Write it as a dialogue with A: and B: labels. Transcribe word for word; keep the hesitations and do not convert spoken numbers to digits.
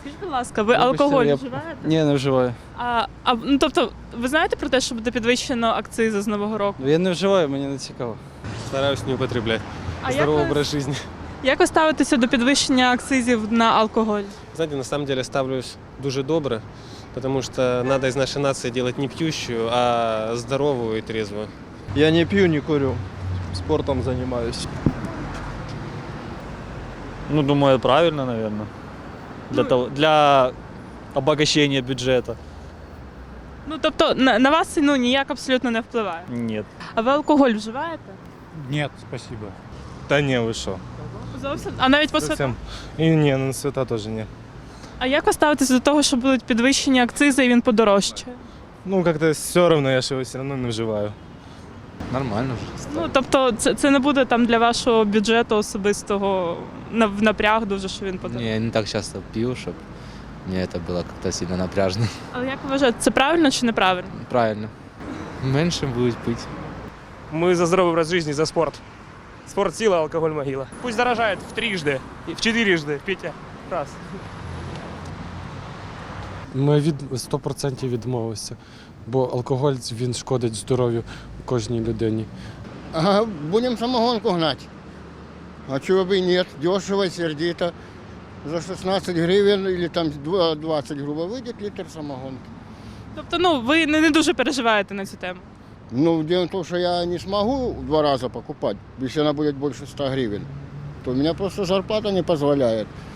A: Скажіть, будь ласка, ви
B: Вибачте,
A: алкоголь
B: я-
A: вживаєте?
B: Ні, не вживаю.
A: А, а, ну, тобто, ви знаєте про те, що буде підвищено акцизи з Нового року?
B: Я не вживаю, мені не цікаво.
C: Стараюсь не употреблять.
A: А як
C: Здоровый
A: ви,
C: образ жизни.
A: як ви ставитеся до підвищення акцизів на алкоголь?
C: Знаете, на самом деле ставлюсь дуже добре, потому что надо из нашей нации делать не пьющую, а здоровую и трезвую.
D: Я не пью, не курю. Спортом занимаюсь.
E: Ну, думаю, правильно, наверное. Для,
A: Ну,
E: того, для обогащения бюджета.
A: Ну, тобто, на, на вас ну, ніяк абсолютно не впливає.
E: Нет.
A: А ви алкоголь вживаєте?
F: Нет, спасибо.
G: Та ні, ви що?
A: Зовсім? А навіть по святам?
G: Зовсім. І ні, на свята теж ні.
A: А як ви ставитеся до того, що будуть підвищені акцизи і він подорожчає?
G: Ну, як-то все одно, я ж його все одно не вживаю.
B: Нормально вже.
A: Ну, тобто, це, це не буде там для вашого бюджету особистого на- в напряг дуже, що він подорожчає?
H: Не, я не так часто пью, чтобы мне это было как-то сильно напряжно.
A: Але як ви вважаєте, це правильно чи неправильно?
H: Правильно. Меньше будет пить.
I: Мы за здоровый образ жизни, за спорт. Спорт – сила, алкоголь – могила. Пусть дорожает в трижды, и в четырежды, Петя. Раз.
J: Ми від сто відсотків відмовилися, бо алкоголь він шкодить здоров'ю кожній людині.
K: Ага, будем самогонку гнать. А чего бы и нет, дешево, сердито. За шестнадцать гривен или там двадцать, грубо, выйдет литр самогонки.
A: Тобто, ну, ви не, не дуже переживаєте на цю тему?
K: Ну, дело в том, что я не смогу в два раза покупать, если она будет больше ста гривен. То у меня просто зарплата не позволяет.